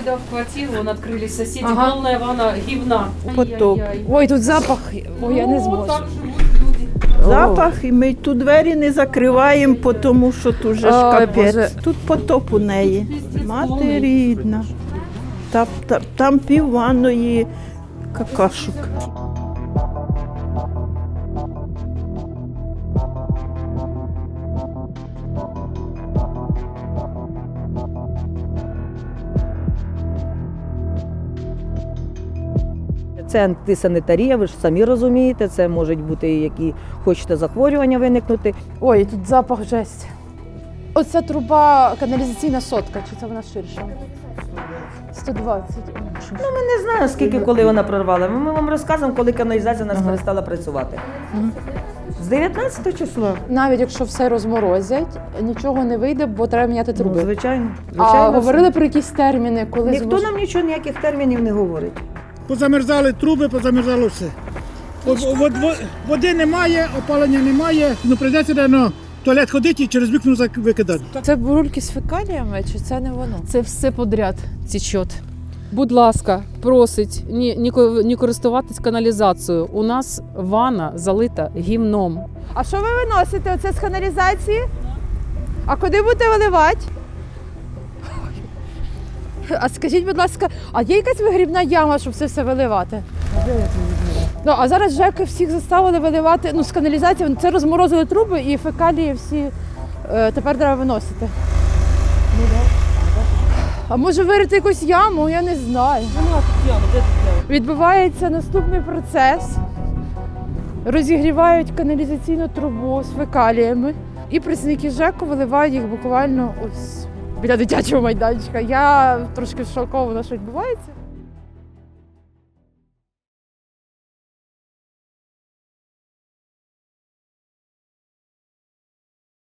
когда в квартиру вон открыли соседи, Ага. полная ванна гивна. Потоп. Ай-яй-яй. Ой, тут запах. Ой, я не Ну, зможу. так живуть люди. Запах, і ми тут двері не закриваємо, тому що тут же ж Ой, капець. Боже. Тут потоп у неї. Пиздець Мати повний. рідна. Там пів ванної какашок. Це антисанітарія, ви ж самі розумієте, це можуть бути які хочете захворювання виникнути. Ой, тут запах жесть. Оця труба каналізаційна сотка, чи це вона ширша? 120. Ми не знаємо, скільки коли вона прорвала. Ми вам розказуємо, коли каналізація у нас перестала працювати. З 19 числа. Навіть якщо все розморозять, нічого не вийде, бо треба міняти Ну, труби. звичайно. А говорили про якісь терміни, коли Ніхто нам нічого, ніяких термінів не говорить. Позамерзали труби, позамерзало все. Води немає, опалення немає, ну прийдеться в туалет ходити і через вікно викидати. Це бурульки з фекаліями, чи це не воно? Це все подряд течет. Будь ласка, просить не користуватись каналізацією. У нас ванна залита гімном. А що ви виносите оце з каналізації? А куди будете виливати? А скажіть, будь ласка, а є якась вигрібна яма, щоб це все виливати? Ну, а зараз ЖЕКи всіх заставили виливати, ну, з каналізації, це розморозили труби і фекалії всі тепер треба виносити. А може вирити якусь яму, я не знаю. Відбувається наступний процес. Розігрівають каналізаційну трубу з фекаліями. І працівники ЖЕКу виливають їх буквально ось біля дитячого майданчика. Я трошки шокована, що відбувається.